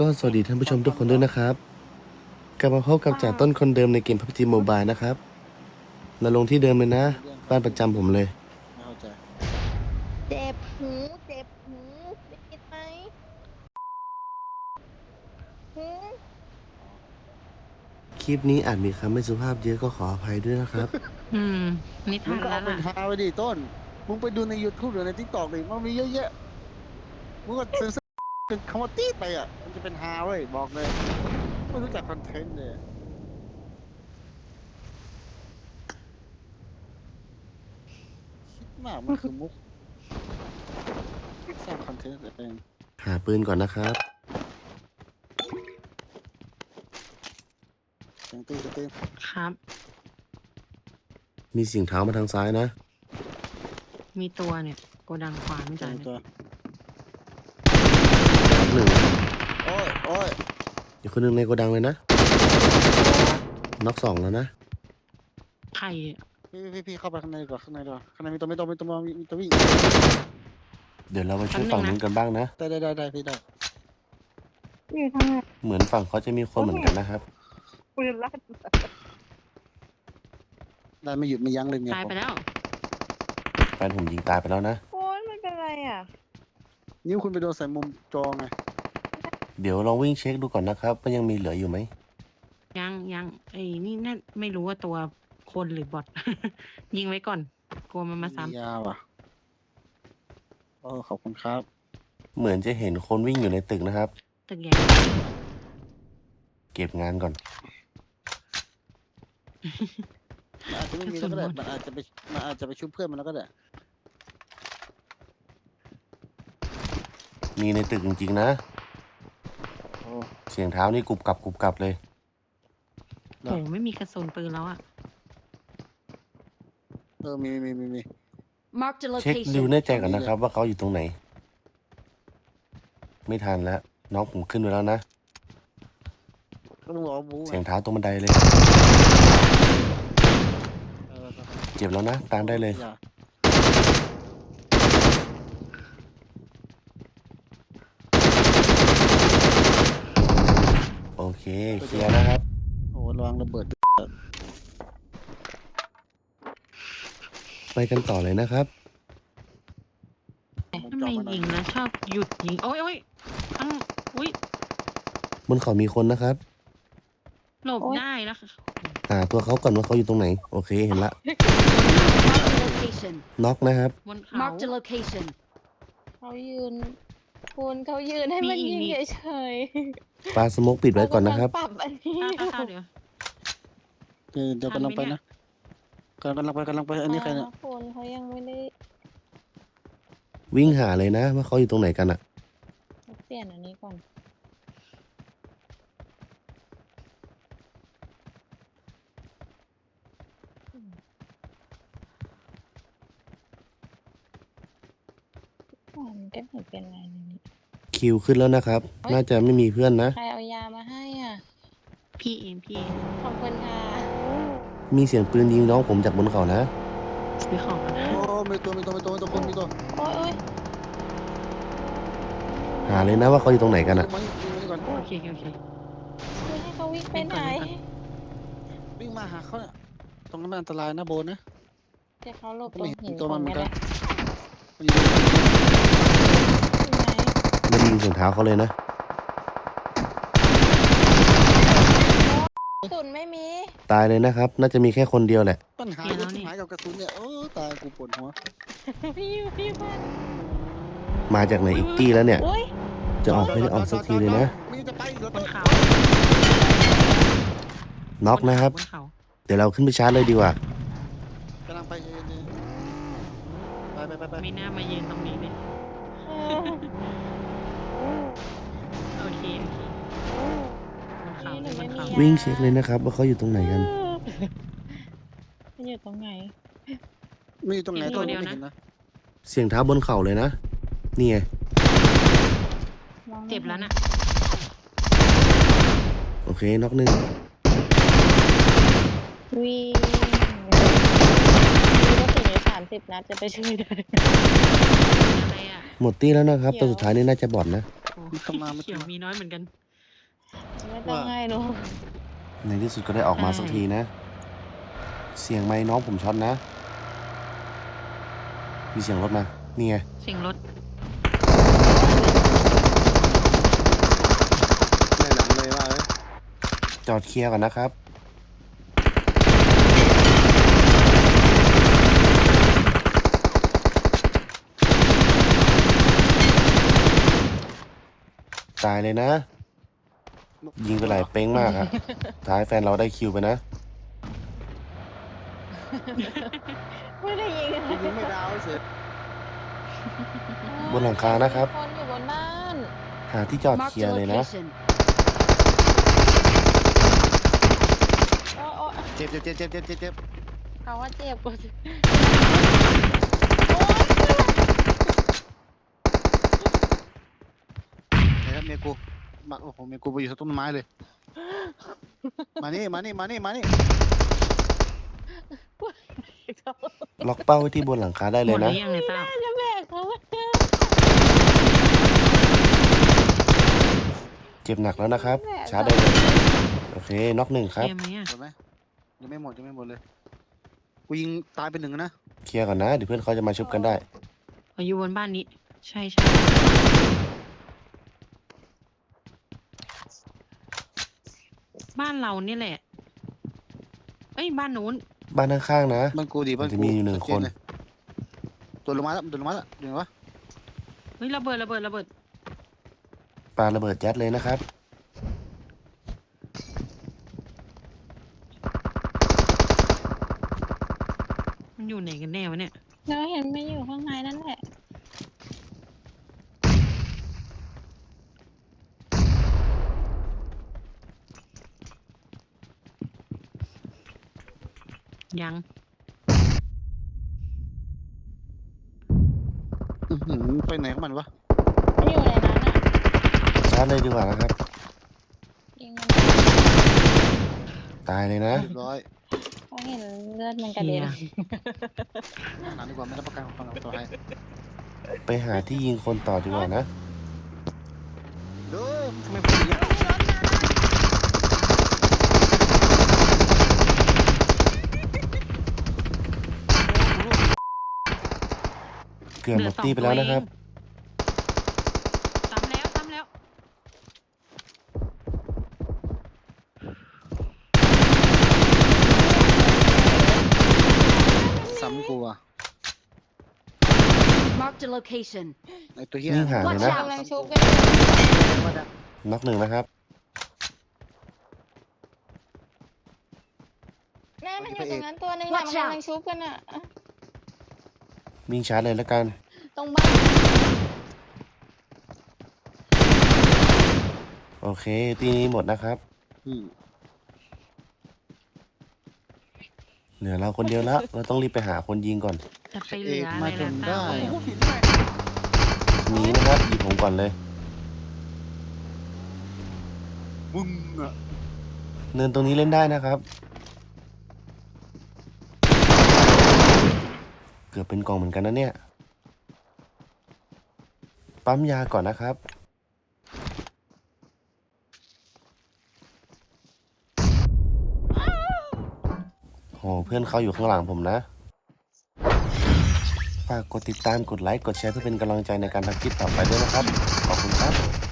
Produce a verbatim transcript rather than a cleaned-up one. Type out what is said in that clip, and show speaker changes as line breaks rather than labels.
สวัสดีท่านผู้ชมทุกคนด้วยนะครับกลับมาพบกับจ่าต้นคนเดิมในเกม พับจี Mobile นะครับเราลงที่เดิมเลยนะบ้านประจำผมเลย
ไม่เข้าใจ
เจ็บหูเจ็บหูได้ยินไหมหู
คลิปนี้อาจมีคำไม่สุภาพเยอะก็ขออภัยด้วยนะครับ
อืมนิทา
มึ
น
งก็
แล้
เอา
ว
เป็น
ล่ะ
ฮาไปดิต้นมึงไปดูใน YouTube หรือใน TikTok ดิมันมีเยอะแยะมึงก็เซ็นเซอร์เป็นคำว่าตีดไปอ่ะมันจะเป็นฮาเว้ยบอกเลยไม่รู้จักคอนเทนต์เลยคิดมากมันคือมุกสร้างคอนเทนต์เอง
หาปืนก่อนนะครับ
เสียงตีนตีน
ครับ
มีเสียงเท้ามาทางซ้ายนะ
มีตัวเนี่ยโกดังขวาไม่
เสี
จ่าย ย
งตัว
หนึ่ง
โอ้ยโอ้ย
อีกคนหนึ่งในโกดังเลยนะน็อกสองแล้วนะ
ไข่
พี่พี่พี่เข้าไปข้างในก่อนข้างในก่อนข้างในมีตัวไม่ตัวไม่ตัวมีมีตัววิ่ง
เดี๋ยวเราไปช่วยฝั่งนู้นกันบ้างนะ
ได้ได้ได้ได้พี่ได้
อยู่ทางไหน
เหมือนฝั่งเขาจะมีคนเหมือนกันนะครับ
ปืนลั่น
ได้ไม่หยุดไม่ยั้งเลยเนี่ย
ตายไปแล้ว
แฟนผมยิงตายไปแล้วนะ
โอ้ยไม่เป็นไรอ่ะ
นิ้วคุณไปโดนใส่มุมจอไง
เดี๋ยวลองวิ่งเช็คดูก่อนนะครับว่ายังมีเหลืออยู่ไหม
ยังยังไอ้นี่นั่นไม่รู้ว่าตัวคนหรือบอท ยิงไว้ก่อนกลัวมันมาซ้
ยาวอ่ะโอ้ขอบคุณครับ
เหมือนจะเห็นคนวิ่งอยู่ในตึกนะครับ
ำตึกใหญ่
เก็บงานก่อน
มันอาจจะไม่มีแล้วก็ได้ มันอาจจะไปมันอาจจะไปชุบเพื่อนมันแล้วก็ได้
มีในตึกจริงๆนะ
โอ้
เสียงเท้านี่กรุบกรับกรุบกรับเลย
โอ้ไม่มีกระสุนปืนแล้วอ่ะ
เออ มีมีมีมี
Marked a
เช็คดู
location.
แน่ใจก่อนนะครับ ว่าเขาอยู่ตรงไหน ไม่ทันแล้ว น้องผมขึ้นไปแล้วนะ
ก็ต้องบอกว่าบู๊
เสียงเท้าตรงบันไดเลย
เออ
เจ็บแล้วนะ ตามได้เลย
อย่า
โอเคเคลียร์นะครับ
โอ้ระวังระเบิด
ไปกันต่อเลยนะครับ
ทำไมยิงแล้วชอบหยุดยิง โอ้ยโอ้ยตั้งอุ้ย
บนเขามีคนนะครับ
หลบได้แล้วค่ะ
หาตัวเขาก่อนว่าเขาอยู่ตรงไหน โอเคเห็นละ
Marked a location.
น็อกนะครับ
บนเขา
Marked a location.
เขายืนคุณเขายืนให้มันยิงเฉย
ปลาสโมกปิด
ๆ
ไว้ก่อนนะครับ
ปรับอันนี้
ข้าวข้าวเดี๋ยว
เดี๋ยวเดี๋ยวกำลังไปนะกำลังไปกำลังไป อันนี้ใครเนี่ย
คุณเขายังไม่ได้
วิ่งหาเลยนะ ว่าเขาอยู่ตรงไหนกันอะ
เปลี่ยนอันนี้ก่อนมันก็ไม่เป็นไรนี่
คิวขึ้นแล้วนะครับ น่าจะไม่มีเพื่อนนะ
ใครเอายามาให้อ่ะ
พี่เองพี่เอง
ขอบคุณค่ะ
มีเสียงปืนยิงน้องผมจากบนเขานะ
ซื้อของกันนะ
โอ้มีตัวมีตัวมีตัวมีตัวคนมีตัว
โอ้ยโอ้ย
หาเลยนะว่าเขาอยู่ตรงไหนกันอะ
มายิงมายิงก่อน
โอเคโอเคโอเค
คือให้เขาวิ่งไปไหน
วิ่งมาหาเขาเนี่ยตรงนั้นมันอันตรายนะโบนนะ
เดี๋ยวเขาหลบต
ไม่
รง
เห็
หิ
น
น
ตัวมันเหมือนกัน
ตรงนี้แหละ
ไม่ได้ยินเสียงเท้าเขาเลยนะ
กระสุนไม่มี
ตายเลยนะครับ น่าจะมีแค่คนเดียวแหละ
ปัญหาเยอะที่หายกับกระสุนเนี่ยโอ้ตายกูปวดหัว
พี่พี่พัน
มาจากไหนอีกตี้แล้วเนี่ย
อุ้ย
จะออกไม่ได้ออกสักทีเลยนะ
มีจะไปเหรอบ
นเขา
น็อกนะครับ
บนเขา
เดี๋ยวเราขึ้นไปชาร์จเลยดีกว่า
กำลังไปเองเนี่ยไปไปไปไป
ไม่น่ามายืนตรงนี้เลย
เออ
โอเคโอเคบนเขาเลยบนเขา
วิ่งเช็คเลยนะครับ ว่าเขาอยู่ตรงไหนกัน
มันอยู่ตรงไหน
มีตรงไหนตัวไม่เห็นนะ
เสียงเท้าบนเขาเลยนะ นี่ไง
มองไม่
เจ็บแล้วน่ะ
โอเคน็อกหนึ่ง
วิ่งมีกระสุนอยู่สามสิบนัดจะไปช่วยได้
อะไรอ่ะ
หมดตี้แล้วนะครับ ตัวสุดท้ายนี่น่าจะบอดนะ
โอ้เขียวมีน้อยเหมือนกัน
ไม่ต้องให้หนู
ในที่สุดก็ได้ออกมาสักทีนะ เสียงไม้น้องผมช็อตนะ มีเสียงรถมา นี่ไง
เสียงรถ
ในหลังเลยว่าเอ้ย
จอดเคลียร์ก่อนนะครับ ตายเลยนะ ยิงไปหลายเป้งมากอะท้ายแฟนเราได้คิวไปนะ
ไม่ได้ยิง
กูยิงไม่ดาวเสีย
บนหลังคานะครับ
คนอยู่บนบ้าน
หาที่จอดเค
Marked
ลีย
a
ร์เลยนะ
location.
โอ้โอ้
เจ็บเจ็บเจ็บเจ็บเจ็บเจ็บเจ็บ
เขาว่าเจ็บกว่าโอ้ย
เฮ้ยครับเมียกูมาโอ้โหเมียกูไปอยู่ต้นไม้เลย มานี่มานี่มานี่มานี่
ล็อกเป้าไว้ที่บนหลังคาได้
ห
เล
ม
ย
ดหรื
นะ
อยังเนี่ยต้า
จะแบกเขาไว้
เจ็บหนักแล้วนะครับ ชาร์จได้เลย โอเค น็อกหนึ่งครับ
เกมไหมอ่ะ
หมดไหมยังไม่หมดยังไม่หมดเลย กูยิงตายไปหนึ่งนะ
เคลียร์ก่อนนะ เดี๋ยวเพื่อนเขาจะมาชุบกันได้
อ๋ออยู่บนบ้านนี้ ใช่ใช่บ้านเรานี่แหละ เอ้ย บ้านนู้น
บ้านข้างๆนะ
มันกูดีบ้าน
มันจะ
กู
มีอยู่หนึ่ง
ชัดเจ
คน
เลยตัวลงมาแล้วตัวลงมาแล้วเดี๋ยววะ
เฮ้ยระเบิดระเบิดระเบิด
ปาระเบิดยัดเลยนะครับ
มันอยู่ไหนกันแน่วะเนี่ย
เราเห็นไม่อยู่ข้างในนั่นแหละ
ยัง
อื้อหือไปไหนของมันวะ
ไม่อยู่ในนั้นอ่ะ
ชาร์จเลยดีกว่านะครับ
ยิงมัน
ตายเลยนะ
เรียบร้อย
เขาเห็นเลือดมันกระเด็น
เหี้ย
นานดีกว่าไม่รับประกันความปลอดภัย
ไปหาที่ยิงคนต่อดีกว่านะ
เด้อทำไมพูดอย่างนี้ย
เกือบหมดตีไปแล้วนะครับ
ซ้ำแล้วซ้ำแล้ว
ซ้ำกูอ่ะ
Marked a location.
ไอตัวเหี้ย
วิ่งหาเลยนะ
กำลังชุบกัน
ว่าจะ
น็อกหนึ่งนะครับ
แม่มันอยู่ตรงนั้นตัวหนึงอะมัน
Watch
กำ
out
ลังชุบกันอ่ะ
วิ่งชาร์จเลยแล้วกัน
ตรงบ้าน
โอเค ตีนี้หมดนะครับ
อืม
เหลือเราคนเดียวแล้ว เราต้องรีบไปหาคนยิงก่อน
จะไปเหลืออะไร
มาจ
ล่ะ
น
ต้า
ได้
โอ้โห
หนีนะครับหยิบผมก่อนเลย
มึงอ่ะ
เนินตรงนี้เล่นได้นะครับ เกือบเป็นกองเหมือนกันนะเนี่ย ปั๊มยาก่อนนะครับ โห เพื่อนเขาอยู่ข้างหลังผมนะ ฝากกดติดตาม กดไลค์ กดแชร์เพื่อเป็นกำลังใจในการทำคลิปต่อไปด้วยนะครับ ขอบคุณครับ